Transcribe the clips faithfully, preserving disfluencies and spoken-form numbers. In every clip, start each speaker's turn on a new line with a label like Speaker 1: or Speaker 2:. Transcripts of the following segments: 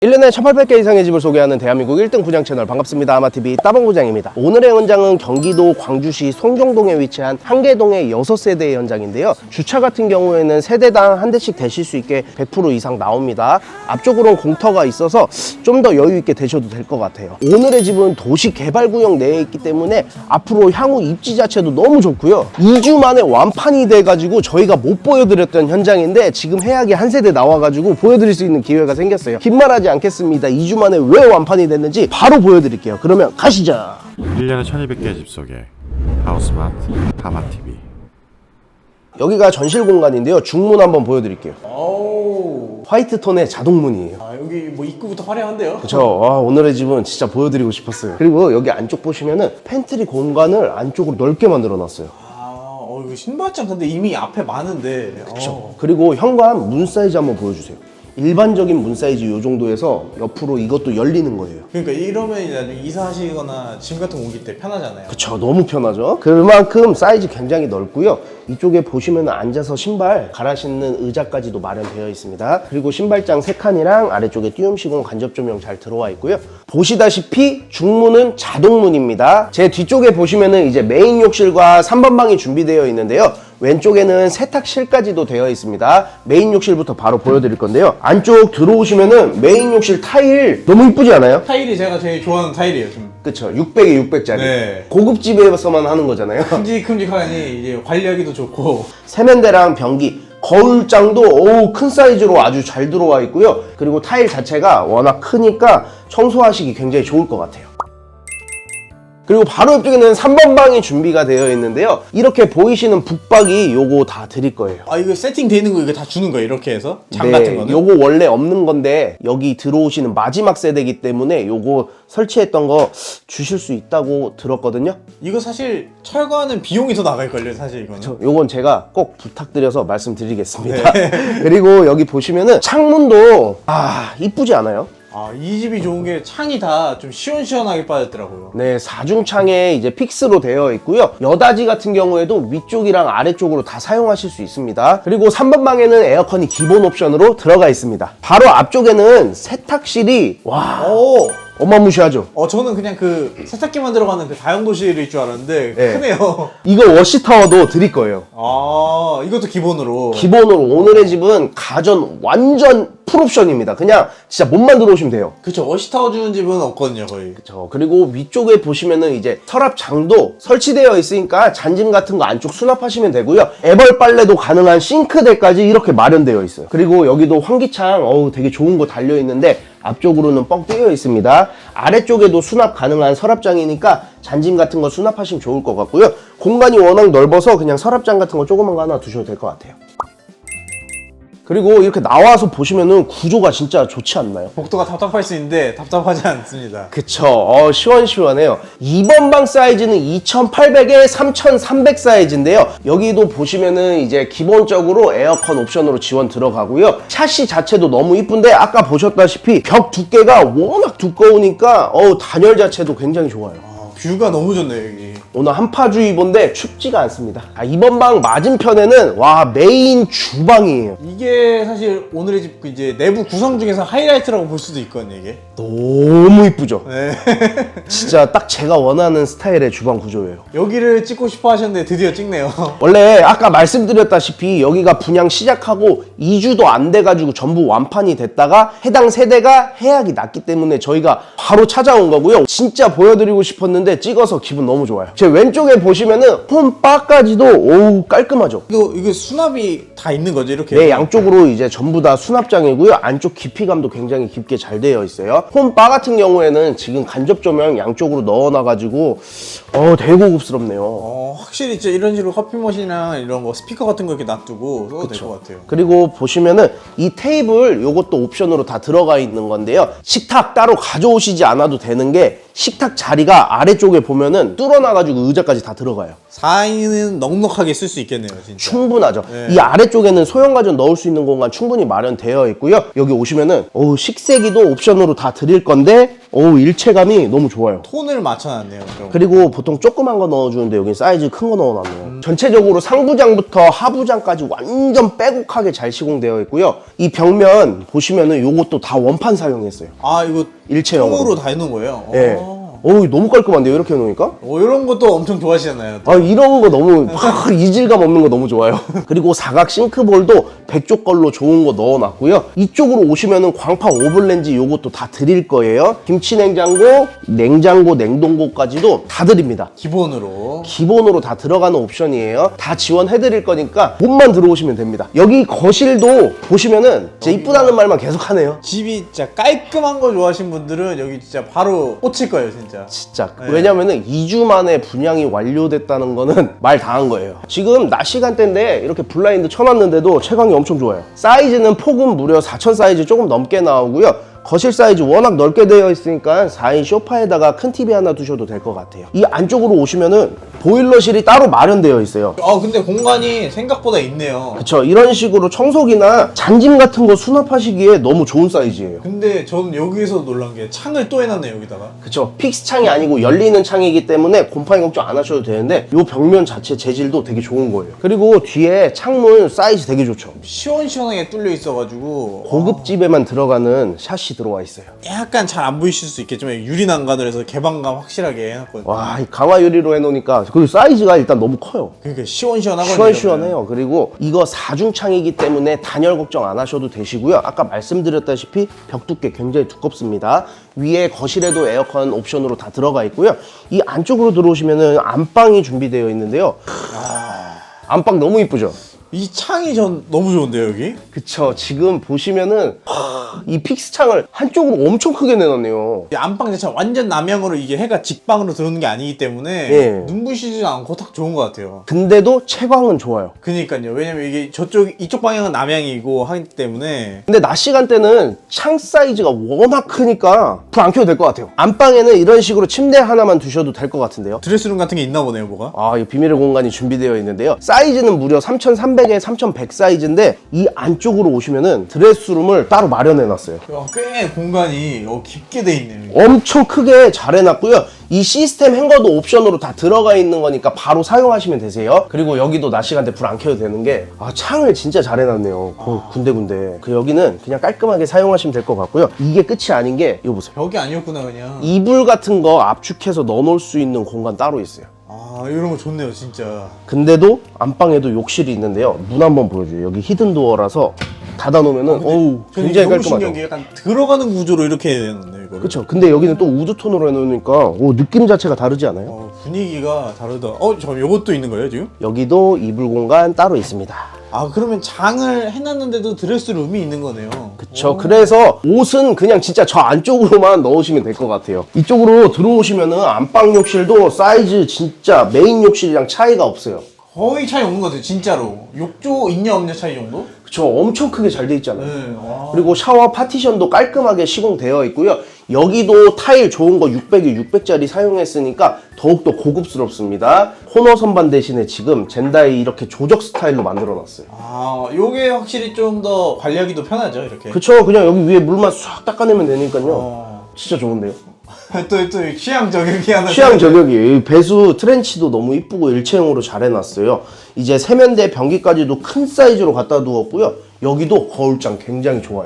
Speaker 1: 일 년에 천팔백 개 이상의 집을 소개하는 대한민국 일 등 분양 채널 반갑습니다. 아마티비 따봉구장입니다. 오늘의 현장은 경기도 광주시 송정동에 위치한 한계동의 여섯 세대의 현장인데요. 주차 같은 경우에는 세대당 한 대씩 대실 수 있게 백 퍼센트 이상 나옵니다. 앞쪽으로는 공터가 있어서 좀 더 여유 있게 대셔도 될 것 같아요. 오늘의 집은 도시 개발구역 내에 있기 때문에 앞으로 향후 입지 자체도 너무 좋고요. 이 주 만에 완판이 돼가지고 저희가 못 보여드렸던 현장인데 지금 해악이 한 세대 나와가지고 보여드릴 수 있는 기회가 생겼어요. 긴 말하지 않겠습니다. 이 주 만에 왜 완판이 됐는지 바로 보여드릴게요. 그러면 가시죠.
Speaker 2: 일 년에 천이백 개의 집 소개 하우스마트 하마티비.
Speaker 1: 여기가 전실 공간인데요. 중문 한번 보여드릴게요.
Speaker 3: 오.
Speaker 1: 화이트 톤의 자동문이에요.
Speaker 3: 아, 여기 뭐 입구부터 화려한데요?
Speaker 1: 그쵸. 아, 오늘의 집은 진짜 보여드리고 싶었어요. 그리고 여기 안쪽 보시면은 팬트리 공간을 안쪽으로 넓게 만들어 놨어요.
Speaker 3: 아, 어, 이거 신발장 근데 이미 앞에 많은데.
Speaker 1: 그쵸.
Speaker 3: 어.
Speaker 1: 그리고 현관 문 사이즈 한번 보여주세요. 일반적인 문 사이즈 이 정도에서 옆으로 이것도 열리는 거예요.
Speaker 3: 그러니까 이러면 나중에 이사하시거나 짐 같은 거 옮길 때 편하잖아요.
Speaker 1: 그쵸. 너무 편하죠. 그만큼 사이즈 굉장히 넓고요. 이쪽에 보시면 앉아서 신발 갈아 신는 의자까지도 마련되어 있습니다. 그리고 신발장 세 칸이랑 아래쪽에 띄움 시공 간접 조명 잘 들어와 있고요. 보시다시피 중문은 자동문입니다. 제 뒤쪽에 보시면은 이제 메인 욕실과 삼 번 방이 준비되어 있는데요. 왼쪽에는 세탁실까지도 되어 있습니다. 메인 욕실부터 바로 보여드릴 건데요. 안쪽 들어오시면은 메인 욕실 타일 너무 이쁘지 않아요?
Speaker 3: 타일이 제가 제일 좋아하는 타일이에요. 좀
Speaker 1: 그쵸. 육백에 육백짜리.
Speaker 3: 네.
Speaker 1: 고급집에서만 하는 거잖아요.
Speaker 3: 큼직큼직하니 이제 관리하기도 좋고.
Speaker 1: 세면대랑 변기, 거울장도 어우 큰 사이즈로 아주 잘 들어와 있고요. 그리고 타일 자체가 워낙 크니까 청소하시기 굉장히 좋을 것 같아요. 그리고 바로 옆쪽에는 삼 번 방이 준비가 되어 있는데요. 이렇게 보이시는 북박이 요거 다 드릴 거예요.
Speaker 3: 아, 이거 세팅돼 있는 거 이거 다 주는 거예요? 이렇게 해서? 장
Speaker 1: 네,
Speaker 3: 같은 거는?
Speaker 1: 요거 원래 없는 건데 여기 들어오시는 마지막 세대이기 때문에 요거 설치했던 거 주실 수 있다고 들었거든요.
Speaker 3: 이거 사실 철거하는 비용이 더 나갈걸요, 사실 이거는.
Speaker 1: 저, 요건 제가 꼭 부탁드려서 말씀드리겠습니다. 그리고 여기 보시면은 창문도 아 이쁘지 않아요?
Speaker 3: 아, 이 집이 좋은 게 창이 다 좀 시원시원하게 빠졌더라고요.
Speaker 1: 네, 사중창에 이제 픽스로 되어 있고요. 여다지 같은 경우에도 위쪽이랑 아래쪽으로 다 사용하실 수 있습니다. 그리고 삼 번 방에는 에어컨이 기본 옵션으로 들어가 있습니다. 바로 앞쪽에는 세탁실이 와
Speaker 3: 오!
Speaker 1: 어마무시하죠.
Speaker 3: 어, 저는 그냥 그 세탁기만 들어가는 그 다용도실일 줄 알았는데
Speaker 1: 네.
Speaker 3: 크네요.
Speaker 1: 이거 워시타워도 드릴 거예요.
Speaker 3: 아, 이것도 기본으로.
Speaker 1: 기본으로 오늘의 집은 가전 완전 풀옵션입니다. 그냥 진짜 몸만 들어오시면 돼요.
Speaker 3: 그쵸, 워시타워 주는 집은 없거든요, 거의.
Speaker 1: 그쵸. 그리고 위쪽에 보시면은 이제 서랍장도 설치되어 있으니까 잔짐 같은 거 안쪽 수납하시면 되고요. 애벌 빨래도 가능한 싱크대까지 이렇게 마련되어 있어요. 그리고 여기도 환기창 어우 되게 좋은 거 달려 있는데 앞쪽으로는 뻥 뚫려 있습니다. 아래쪽에도 수납 가능한 서랍장이니까 잔짐 같은 거 수납하시면 좋을 것 같고요. 공간이 워낙 넓어서 그냥 서랍장 같은 거 조그만 거 하나 두셔도 될 것 같아요. 그리고 이렇게 나와서 보시면은 구조가 진짜 좋지 않나요?
Speaker 3: 복도가 답답할 수 있는데 답답하지 않습니다.
Speaker 1: 그쵸. 어, 시원시원해요. 이 번 방 사이즈는 이천팔백에 삼천삼백 사이즈인데요. 여기도 보시면은 이제 기본적으로 에어컨 옵션으로 지원 들어가고요. 샤시 자체도 너무 이쁜데 아까 보셨다시피 벽 두께가 워낙 두꺼우니까 어우, 단열 자체도 굉장히 좋아요.
Speaker 3: 아, 뷰가 너무 좋네요, 여기.
Speaker 1: 오늘 한파주의보인데 춥지가 않습니다. 아, 이 번 방 맞은편에는 와 메인 주방이에요.
Speaker 3: 이게 사실 오늘의 집 이제 내부 구성 중에서 하이라이트라고 볼 수도 있거든요, 이게.
Speaker 1: 너무 이쁘죠?
Speaker 3: 네.
Speaker 1: 진짜 딱 제가 원하는 스타일의 주방 구조예요.
Speaker 3: 여기를 찍고 싶어 하셨는데 드디어 찍네요.
Speaker 1: 원래 아까 말씀드렸다시피 여기가 분양 시작하고 이 주도 안 돼가지고 전부 완판이 됐다가 해당 세대가 해약이 났기 때문에 저희가 바로 찾아온 거고요. 진짜 보여드리고 싶었는데 찍어서 기분 너무 좋아요. 제 왼쪽에 보시면은 홈바까지도 오우 깔끔하죠.
Speaker 3: 이거, 이거 수납이 다 있는 거죠, 이렇게?
Speaker 1: 네, 양쪽으로 이제 전부 다 수납장이고요. 안쪽 깊이감도 굉장히 깊게 잘 되어 있어요. 홈바 같은 경우에는 지금 간접 조명 양쪽으로 넣어놔가지고 어 되게 고급스럽네요.
Speaker 3: 어, 확실히 진짜 이런 식으로 커피 머신이나 이런 거 스피커 같은 거 이렇게 놔두고 써도 될 것 같아요.
Speaker 1: 그리고 보시면은 이 테이블 요것도 옵션으로 다 들어가 있는 건데요. 식탁 따로 가져오시지 않아도 되는 게 식탁 자리가 아래쪽에 보면은 뚫어놔가지고 의자까지 다 들어가요.
Speaker 3: 사 인은 넉넉하게 쓸 수 있겠네요, 진짜.
Speaker 1: 충분하죠.
Speaker 3: 네.
Speaker 1: 이 아래쪽에는 소형 가전 넣을 수 있는 공간 충분히 마련되어 있고요. 여기 오시면은 어우, 식세기도 옵션으로 다 드릴 건데 어우, 일체감이 너무 좋아요.
Speaker 3: 톤을 맞춰놨네요. 좀.
Speaker 1: 그리고 보통 조그만 거 넣어주는데 여긴 사이즈 큰 거 넣어놨네요. 음. 전체적으로 상부장부터 하부장까지 완전 빼곡하게 잘 시공되어 있고요. 이 벽면 보시면은 요것도 다 원판 사용했어요.
Speaker 3: 아 이거
Speaker 1: 일체형으로.
Speaker 3: 통으로 다 해놓은 거예요?
Speaker 1: 예.
Speaker 3: 어.
Speaker 1: 어우, 너무 깔끔한데요, 이렇게 해놓으니까?
Speaker 3: 어, 이런 것도 엄청 좋아하시잖아요.
Speaker 1: 아, 이런 거 너무 확 이질감 없는 거 너무 좋아요. 그리고 사각 싱크볼도 백조 걸로 좋은 거 넣어놨고요. 이쪽으로 오시면은 광파 오븐렌지 요것도 다 드릴 거예요. 김치 냉장고, 냉장고, 냉동고까지도 다 드립니다.
Speaker 3: 기본으로.
Speaker 1: 기본으로 다 들어가는 옵션이에요. 다 지원해 드릴 거니까 몸만 들어오시면 됩니다. 여기 거실도 보시면은 진짜 이쁘다는 말만 계속 하네요.
Speaker 3: 집이 진짜 깔끔한 거 좋아하시는 분들은 여기 진짜 바로 꽂힐 거예요, 진짜.
Speaker 1: 진짜.
Speaker 3: 네.
Speaker 1: 왜냐면은 이 주 만에 분양이 완료됐다는 거는 말 다 한 거예요. 지금 낮 시간대인데 이렇게 블라인드 쳐놨는데도 채광이 엄청 좋아요. 사이즈는 폭은 무려 사천 사이즈 조금 넘게 나오고요. 거실 사이즈 워낙 넓게 되어 있으니까 사 인 소파에다가 큰 티비 하나 두셔도 될 것 같아요. 이 안쪽으로 오시면은 보일러실이 따로 마련되어 있어요.
Speaker 3: 아 근데 공간이 생각보다 있네요.
Speaker 1: 그쵸. 이런 식으로 청소기나 잔짐 같은 거 수납하시기에 너무 좋은 사이즈예요.
Speaker 3: 근데 저는 여기서 놀란 게 창을 또 해놨네요, 여기다가.
Speaker 1: 그쵸. 픽스 창이 아니고 열리는 창이기 때문에 곰팡이 걱정 안 하셔도 되는데 이 벽면 자체 재질도 되게 좋은 거예요. 그리고 뒤에 창문 사이즈 되게 좋죠.
Speaker 3: 시원시원하게 뚫려 있어가지고
Speaker 1: 고급집에만 들어가는 샷이 들어와 있어요.
Speaker 3: 약간 잘 안 보이실 수 있겠지만 유리 난간을 해서 개방감 확실하게 해놨거든요.
Speaker 1: 와, 이 강화 유리로 해놓으니까 그리고 사이즈가 일단 너무 커요.
Speaker 3: 그러니까 시원시원하거든요.
Speaker 1: 시원시원해요. 그리고 이거 사중창이기 때문에 단열 걱정 안 하셔도 되시고요. 아까 말씀드렸다시피 벽 두께 굉장히 두껍습니다. 위에 거실에도 에어컨 옵션으로 다 들어가 있고요. 이 안쪽으로 들어오시면은 안방이 준비되어 있는데요. 안방 너무 이쁘죠?
Speaker 3: 이 창이 전 너무 좋은데요, 여기?
Speaker 1: 그쵸. 지금 보시면은 이 픽스 창을 한쪽으로 엄청 크게 내놨네요.
Speaker 3: 이 안방 자체가 완전 남향으로 이게 해가 직방으로 들어오는 게 아니기 때문에
Speaker 1: 예.
Speaker 3: 눈부시지 않고 딱 좋은 것 같아요.
Speaker 1: 근데도 채광은 좋아요.
Speaker 3: 그니까요. 왜냐면 이게 저쪽 이쪽 방향은 남향이고 하기 때문에.
Speaker 1: 근데 낮 시간대는 창 사이즈가 워낙 크니까 불 안 켜도 될 것 같아요. 안방에는 이런 식으로 침대 하나만 두셔도 될 것 같은데요.
Speaker 3: 드레스룸 같은 게 있나 보네요, 뭐가.
Speaker 1: 아, 이 비밀의 공간이 준비되어 있는데요. 사이즈는 무려 삼천삼백에 삼천백 사이즈인데 이 안쪽으로 오시면은 드레스룸을 따로 마련해 놨어요.
Speaker 3: 야, 꽤 공간이 어, 깊게 돼 있네요.
Speaker 1: 엄청 크게 잘 해놨고요. 이 시스템 행거도 옵션으로 다 들어가 있는 거니까 바로 사용하시면 되세요. 그리고 여기도 낮 시간대 불 안 켜도 되는 게 아, 창을 진짜 잘 해놨네요. 어, 군데군데. 그 여기는 그냥 깔끔하게 사용하시면 될 것 같고요. 이게 끝이 아닌 게 이거 보세요.
Speaker 3: 벽이 아니었구나, 그냥.
Speaker 1: 이불 같은 거 압축해서 넣어놓을 수 있는 공간 따로 있어요.
Speaker 3: 아, 이런 거 좋네요, 진짜.
Speaker 1: 근데도 안방에도 욕실이 있는데요. 문 한번 보여줘요. 여기 히든도어라서 닫아놓으면은 어우
Speaker 3: 저는
Speaker 1: 굉장히
Speaker 3: 너무
Speaker 1: 깔끔하죠.
Speaker 3: 신기한 게 약간 들어가는 구조로 이렇게 해놨네요, 이거를.
Speaker 1: 그렇죠. 근데 여기는 또 우드톤으로 해놓으니까 오, 느낌 자체가 다르지 않아요?
Speaker 3: 어, 분위기가 다르다. 어, 저 요것도 있는 거예요, 지금?
Speaker 1: 여기도 이불 공간 따로 있습니다.
Speaker 3: 아, 그러면 장을 해놨는데도 드레스룸이 있는 거네요.
Speaker 1: 그쵸. 그래서 옷은 그냥 진짜 저 안쪽으로만 넣으시면 될 것 같아요. 이쪽으로 들어오시면은 안방 욕실도 사이즈 진짜 메인 욕실이랑 차이가 없어요.
Speaker 3: 거의 차이 없는 것 같아요, 진짜로. 욕조 있냐 없냐 차이 정도?
Speaker 1: 그쵸. 엄청 크게 잘 돼 있잖아요.
Speaker 3: 네. 와.
Speaker 1: 그리고 샤워 파티션도 깔끔하게 시공되어 있고요. 여기도 타일 좋은 거 육백에 육백짜리 사용했으니까 더욱더 고급스럽습니다. 코너 선반 대신에 지금 젠다이 이렇게 조적 스타일로 만들어 놨어요.
Speaker 3: 아, 요게 확실히 좀 더 관리하기도 편하죠, 이렇게.
Speaker 1: 그쵸. 그냥 여기 위에 물만 싹 닦아내면 되니까요.
Speaker 3: 어.
Speaker 1: 진짜 좋은데요.
Speaker 3: 또, 또 취향 저격이 하나.
Speaker 1: 취향 저격이에요. 이 배수 트렌치도 너무 이쁘고 일체형으로 잘 해놨어요. 이제 세면대 변기까지도 큰 사이즈로 갖다 두었고요. 여기도 거울장 굉장히 좋아요.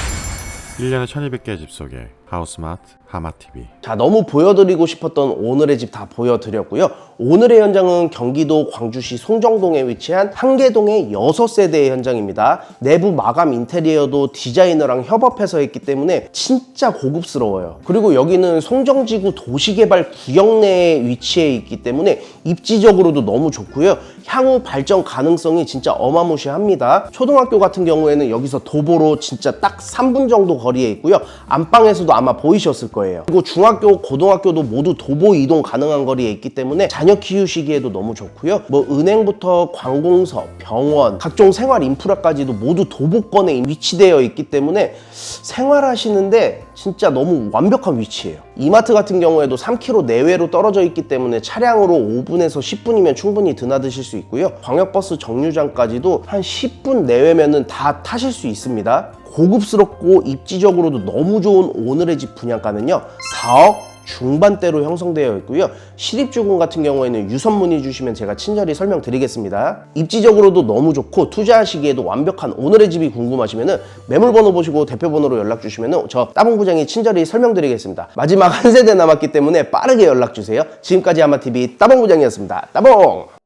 Speaker 2: 일 년에 천이백 개의 집 속에 하우스마트 하마티비.
Speaker 1: 자, 너무 보여드리고 싶었던 오늘의 집 다 보여드렸고요. 오늘의 현장은 경기도 광주시 송정동에 위치한 한계동의 여섯 세대의 현장입니다. 내부 마감 인테리어도 디자이너랑 협업해서 했기 때문에 진짜 고급스러워요. 그리고 여기는 송정지구 도시개발 구역 내에 위치해 있기 때문에 입지적으로도 너무 좋고요. 향후 발전 가능성이 진짜 어마무시합니다. 초등학교 같은 경우에는 여기서 도보로 진짜 딱 삼 분 정도 거리에 있고요. 안방에서도 아마 보이셨을 거예요. 그리고 중학교, 고등학교도 모두 도보 이동 가능한 거리에 있기 때문에 자녀 키우시기에도 너무 좋고요. 뭐 은행부터 관공서, 병원, 각종 생활 인프라까지도 모두 도보권에 위치되어 있기 때문에 생활하시는데 진짜 너무 완벽한 위치예요. 이마트 같은 경우에도 삼 킬로미터 내외로 떨어져 있기 때문에 차량으로 오 분에서 십 분이면 충분히 드나드실 수 있고요. 광역버스 정류장까지도 한 십 분 내외면은 다 타실 수 있습니다. 고급스럽고 입지적으로도 너무 좋은 오늘의 집 분양가는요 사억 중반대로 형성되어 있고요. 실입주공 같은 경우에는 유선 문의 주시면 제가 친절히 설명드리겠습니다. 입지적으로도 너무 좋고 투자하시기에도 완벽한 오늘의 집이 궁금하시면 매물번호 보시고 대표번호로 연락 주시면 저 따봉 부장이 친절히 설명드리겠습니다. 마지막 한 세대 남았기 때문에 빠르게 연락 주세요. 지금까지 하마티비 따봉 부장이었습니다. 따봉!